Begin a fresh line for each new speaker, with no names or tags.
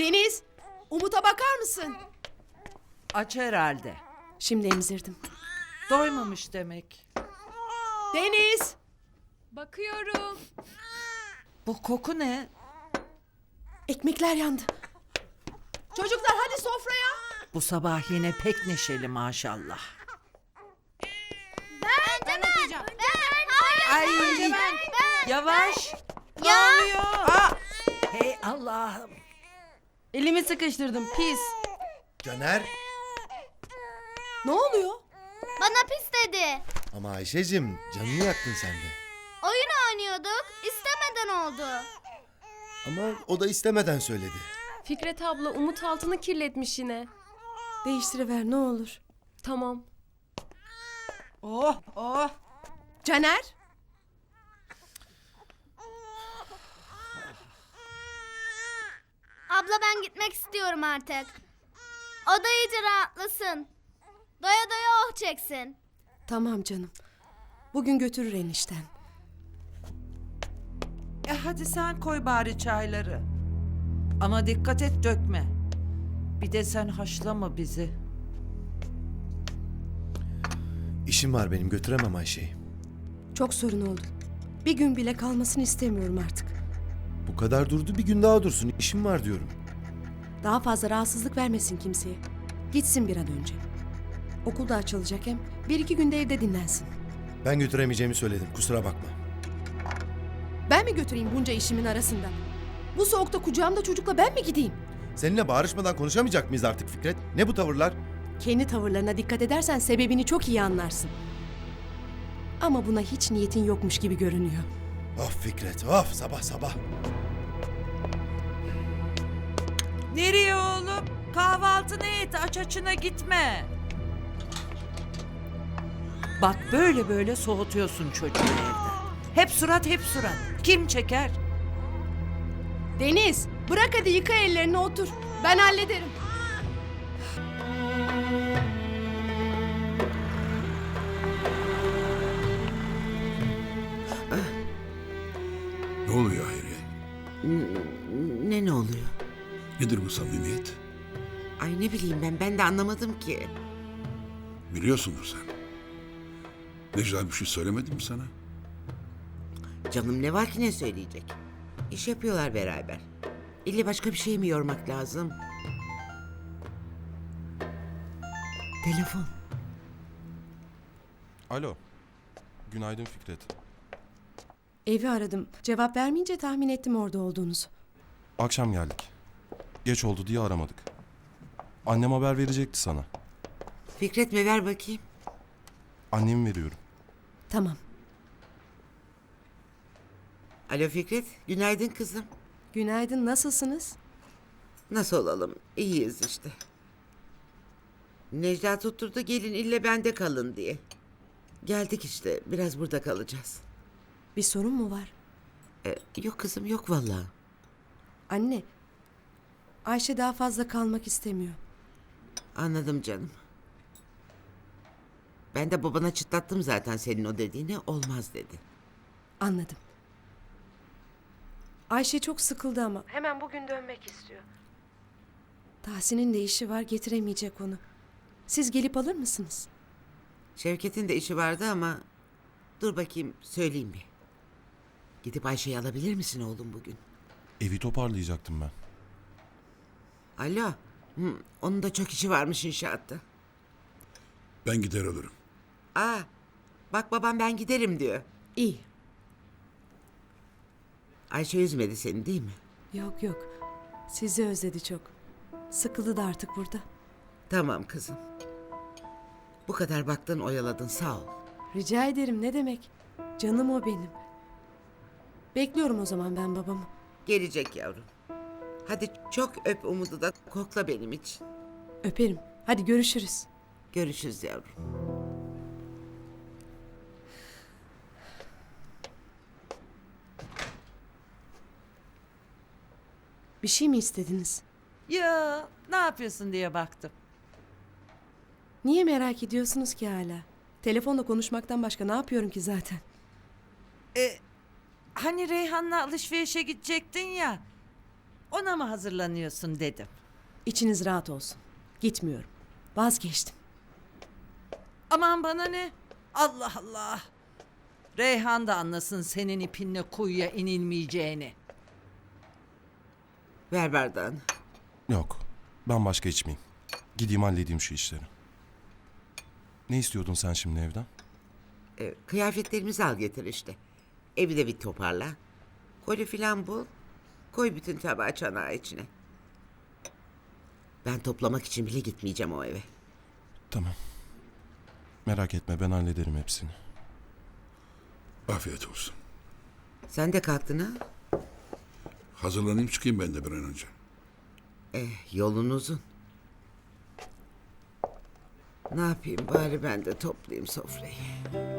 Deniz, Umut'a bakar mısın?
Aç herhalde.
Şimdi emzirdim.
Doymamış demek.
Deniz!
Bakıyorum.
Bu koku ne?
Ekmekler yandı. Çocuklar hadi sofraya.
Bu sabah yine pek neşeli maşallah.
Ben yapacağım.
Ay yavaş. Ne oluyor? Hey Allah'ım.
Elimi sıkıştırdım pis.
Caner.
Ne oluyor?
Bana pis dedi.
Ama Ayşe'cim canını yaktın sen de.
Oyun oynuyorduk. İstemeden oldu.
Ama o da istemeden söyledi.
Fikret abla Umut altını kirletmiş yine.
Değiştiriver ne olur.
Tamam.
Oh oh.
Caner?
Abla ben gitmek istiyorum artık. O da iyice rahatlasın. Doya doya oh çeksin.
Tamam canım. Bugün götürür enişten.
Hadi sen koy bari çayları. Ama dikkat et dökme. Bir de sen haşlama bizi.
İşim var benim, götüremem Ayşe'yi.
Çok sorun oldu. Bir gün bile kalmasını istemiyorum artık.
Bu kadar durdu, bir gün daha dursun. İşim var diyorum.
Daha fazla rahatsızlık vermesin kimseye. Gitsin bir an önce. Okul da açılacak hem. Bir iki günde evde dinlensin.
Ben götüremeyeceğimi söyledim, kusura bakma.
Ben mi götüreyim bunca işimin arasında? Bu soğukta kucağımda çocukla ben mi gideyim?
Seninle bağırışmadan konuşamayacak mıyız artık Fikret? Ne bu tavırlar?
Kendi tavırlarına dikkat edersen sebebini çok iyi anlarsın. Ama buna hiç niyetin yokmuş gibi görünüyor.
Of Fikret, of sabah sabah.
Nereye oğlum? Kahvaltını et, aç açına gitme. Bak böyle böyle soğutuyorsun çocuğu evden. Hep surat, hep surat. Kim çeker?
Deniz, bırak hadi yıka ellerini otur. Ben hallederim.
Ne oluyor Hayriye?
Ne oluyor?
Nedir bu samimiyet?
Ay ne bileyim ben de anlamadım ki.
Biliyorsundur sen. Necla bir şey söylemedi mi sana?
Canım ne var ki ne söyleyecek? İş yapıyorlar beraber. İlle başka bir şey mi yormak lazım? Telefon.
Alo. Günaydın Fikret.
Evi aradım. Cevap vermeyince tahmin ettim orada olduğunuzu.
Akşam geldik. Geç oldu diye aramadık. Annem haber verecekti sana.
Fikret mi ver bakayım.
Annemi veriyorum.
Tamam.
Alo Fikret, günaydın kızım.
Günaydın, nasılsınız?
Nasıl olalım? İyiyiz işte. Necla tutturdu gelin ille bende kalın diye. Geldik işte, biraz burada kalacağız.
Bir sorun mu var?
Yok kızım yok vallahi.
Anne, Ayşe daha fazla kalmak istemiyor.
Anladım canım. Ben de babana çıtlattım zaten senin o dediğini, olmaz dedi.
Anladım. Ayşe çok sıkıldı ama. Hemen bugün dönmek istiyor. Tahsin'in de işi var, getiremeyecek onu. Siz gelip alır mısınız?
Şevket'in de işi vardı ama dur bakayım söyleyeyim bir. Gidip Ayşe'yi alabilir misin oğlum bugün?
Evi toparlayacaktım ben.
Alo. Onun da çok işi varmış inşaatta.
Ben gider alırım.
Aa, bak babam ben giderim diyor.
İyi.
Ayşe üzmedi seni değil mi?
Yok yok. Sizi özledi çok. Sıkıldı da artık burada.
Tamam kızım. Bu kadar baktın oyaladın sağ ol.
Rica ederim, ne demek? Canım o benim. Bekliyorum o zaman ben babamı.
Gelecek yavrum. Hadi çok öp Umut'u da kokla benim için.
Öperim. Hadi görüşürüz.
Görüşürüz yavrum.
Bir şey mi istediniz?
Ya ne yapıyorsun diye baktım.
Niye merak ediyorsunuz ki hala? Telefonla konuşmaktan başka ne yapıyorum ki zaten?
Hani Reyhan'la alışverişe gidecektin ya. ona mı hazırlanıyorsun dedim.
İçiniz rahat olsun. Gitmiyorum. Vazgeçtim.
Aman bana ne? Allah Allah. Reyhan da anlasın senin ipinle kuyuya inilmeyeceğini.
Ver bardağını.
Yok. Ben başka içmeyeyim. Gideyim halledeyim şu işleri. Ne istiyordun sen şimdi evden?
Kıyafetlerimizi al getir işte. Evi de bir toparla. Koli filan bul. Koy bütün tabağı çanağı içine. Ben toplamak için bile gitmeyeceğim o eve.
Tamam. Merak etme ben hallederim hepsini.
Afiyet olsun.
Sen de kalktın ha?
Hazırlanayım çıkayım ben de bir an önce.
Yolun uzun. Ne yapayım bari ben de toplayayım sofrayı.